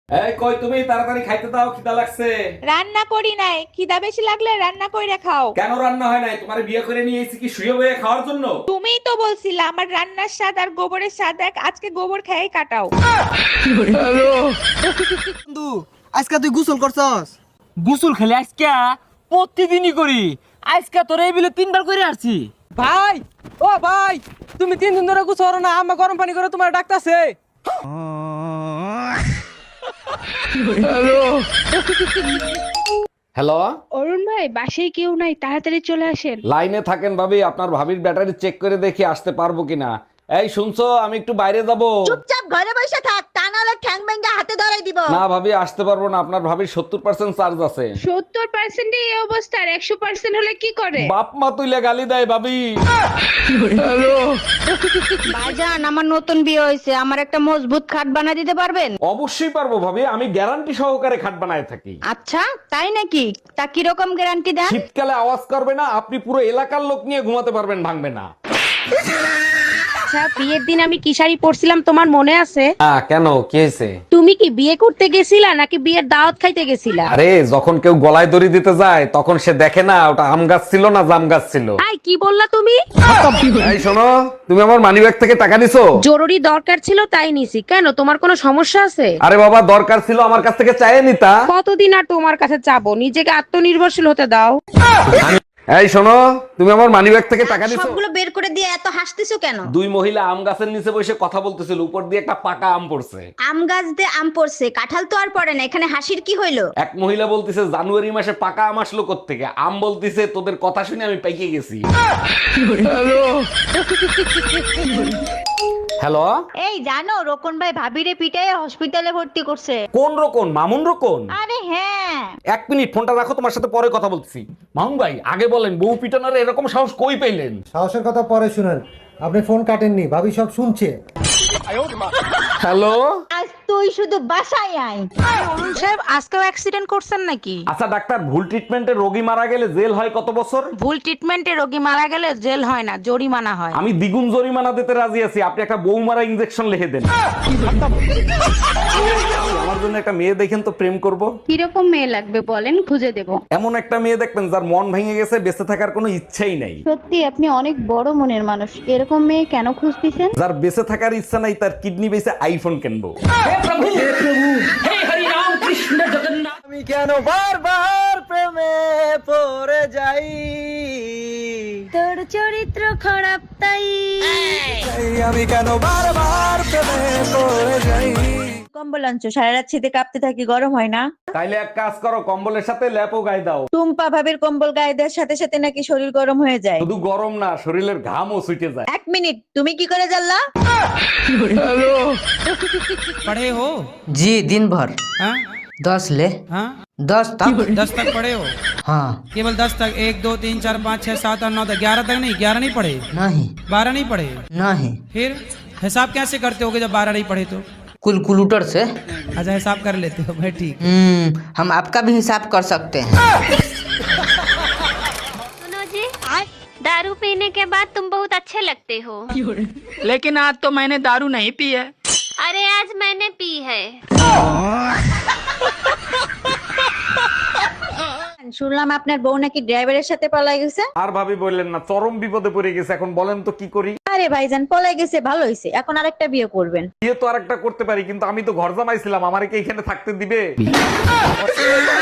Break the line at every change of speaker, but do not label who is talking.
এই কই তুমি, তাড়াতাড়ি খাইতে দাও, খিদা লাগছে।
রান্না করি নাই, খিদা বেশি লাগলে রান্না কইরা খাও।
কেন রান্না হয় নাই? তোমারে বিয়ে করে নিয়ে এসেছি কি শুয়ে বয়ে খাওয়ার জন্য?
তুমিই তো বলছিলা আমার রান্নার স্বাদ আর গোবরের স্বাদ এক, আজকে গোবর খেয়ে কাটাও।
বন্ধু আজকে তুই গোসল করছস?
গোসল খেলে আজকে প্রতিদিনই করি। আজকে তোর এই বিলে 3 বার করে আসছি।
ভাই, ও ভাই, তুমি 3 দিন ধরে গোসল করো না, আম্মা গরম পানি করে তোমার ডাকতাছে।
হ্যালো,
অরুণ ভাই, বাসায় কেউ নাই, তাড়াতাড়ি চলে আসেন।
লাইনে থাকেন ভাবি, আপনার ভাবির ব্যাটারি চেক করে দেখি আসতে পারবো কিনা। এই শুনছো, আমি একটু বাইরে যাব।
চুপচাপ ঘরে বসে থাক, তা নাহলে ঠ্যাং ভেঙে হাতে ধরাই দিব।
না ভাবি, আসতে পারবো না, আপনার ভাবির 70% চার্জ আছে।
70% এই অবস্থা, আর 100% হলে কি করে?
বাপ মা তুইলে গালি দেয় ভাবি।
ভাইজান, আমার নতুন বিয়ে হয়েছে, আমার একটা মজবুত খাট বানিয়ে দিতে পারবেন?
অবশ্যই পারবো ভাবি, আমি গ্যারান্টি সহকারে খাট বানায় থাকি।
আচ্ছা, তাই নাকি? তা কিরকম গ্যারান্টি দেন?
শীতকালে আওয়াজ করবে না, আপনি পুরো এলাকার লোক নিয়ে ঘুমাতে পারবেন, ভাঙবে না।
আচ্ছা, বিয়ের দিন আমি কি শাড়ি পরছিলাম তোমার মনে আছে?
কেন, কি হয়েছে?
তুমি কি বিয়ে করতে গেছিলা নাকি বিয়ের দাওয়াত খাইতে গেছিলা?
আরে যখন কেউ গলায় দড়ি দিতে যায় তখন সে দেখে না ওটা আম গাছ ছিল না জাম গাছ ছিল।
আই, কি বললা তুমি?
এই শোনো, তুমি আমার মানিব্যাগ থেকে টাকা নিছো?
জরুরি দরকার ছিল তাই নিছি। কেন, তোমার কোনো সমস্যা আছে?
আরে বাবা, দরকার ছিল আমার কাছ থেকে চাইয়ে নিতা।
কতদিন আর তোমার কাছে চাবো? নিজেকে আত্মনির্ভরশীল হতে দাও।
এই শোনো, তুমি আমার মানিব্যাগ থেকে টাকা নিছো?
সবগুলো বের করে দিয়ে এত হাসতেছো কেন?
দুই মহিলা আম গাছের নিচে বসে কথা বলতেছিল, উপর দিয়ে একটা পাকা আম পড়ছে।
আম গাছ দিয়ে আম পড়ছে, কাঁঠাল তো আর পড়ে না, এখানে হাসির কি হইলো?
এক মহিলা বলতিছে জানুয়ারি মাসে পাকা আম আসলো কোত্থেকে? আম বলতিছে তোদের কথা শুনে আমি পাইকে গেছি। হ্যালো,
এই জানো, রোকন ভাই ভাবিরে পিটায় হসপিটালে ভর্তি করছে।
কোন রকম? মামুন রকম?
আরে হ্যাঁ।
1 মিনিট ফোনটা রাখো, তোমার সাথে পরে কথা বলতেছি। মামুন ভাই, আগে বলেন বউ পিটানোর এরকম সাহস কই পেলেন?
সাহসের কথা পরে শুনেন, আপনি ফোন কাটেননি, ভাবি সব শুনছে।
হ্যালো,
আজ তুই শুধু বাসায় আয়।
অরুণ সাহেব, আজকেও অ্যাক্সিডেন্ট করছেন নাকি?
আচ্ছা ডাক্তার, ভুল ট্রিটমেন্টে রোগী মারা গেলে জেল হয় কত বছর?
ভুল ট্রিটমেন্টে রোগী মারা গেলে জেল হয় না, জরিমানা হয়।
আমি দ্বিগুণ জরিমানা দিতে রাজি আছি, আপনি একটা বউ মারা ইনজেকশন লিখে দেন। আমার জন্য একটা মেয়ে দেখেন তো, প্রেম করব।
কিরকম মেয়ে লাগবে বলেন, খুঁজে দেব।
এমন একটা মেয়ে দেখবেন যার মন ভেঙে গেছে, বেঁচে থাকার কোনো ইচ্ছাই নাই।
সত্যি আপনি অনেক বড় মনের মানুষ, এরকম মেয়ে কেন খুঁজতেছেন?
যার বেঁচে থাকার ইচ্ছা নাই, তার কিডনি বেঁচে আইফোন কিনবো।
আমি কেন বারবার প্রেমে পড়ে যাই?
তোর চরিত্র খারাপ তাই।
আমি কেন বারবার প্রেমে পড়ে যাই?
কম্বল আনছো, সারা রাত শীতে কাঁপতে থাকি, গরম হয় না?
তাইলে এক কাজ করো, কম্বলের সাথে ল্যাপও গায়ে দাও।
টুম্পা ভাবির কম্বল গায়ে দেওয়ার সাথে সাথে নাকি শরীর গরম হয়ে যায়।
শুধু গরম না, শরীরের ঘামও ছুটে যায়।
1 মিনিট, তুমি কি করে জানলা?
पढ़े हो?
জি दिन भर
हाँ
10 ले
हाँ
10 तक
10 तक पढ़े हो?
हाँ
केवल 10 तक? 1 2 3 4 5 6 7 8 9 10 11 तक नहीं? 11 नहीं पढ़े?
नहीं
12 नहीं पढ़े?
नहीं
फिर हिसाब कैसे करते होगे जब 12 नहीं पढ़े तो?
कैलकुलेटर से।
अच्छा, हिसाब कर लेते हो भाई, ठीक।
हम आपका भी हिसाब कर सकते हैं।
सुनो जी, दारू पीने के बाद तुम बहुत अच्छे लगते हो।
लेकिन आज तो मैंने दारू नहीं पी है।
अरे आज मैंने पी है।
শুনলাম আপনার বউ নাকি ড্রাইভারের সাথে পলাই গেছে।
আর ভাবি বললেন না, চরম বিপদে পড়ে গেছে। এখন বলেন তো কি করি?
আরে ভাইজান, পলাই গেছে ভালো হয়েছে, এখন আরেকটা বিয়ে করবেন।
বিয়ে তো আরেকটা করতে পারি, কিন্তু আমি তো ঘর জামাইছিলাম, আমারে কি এখানে থাকতে দিবে?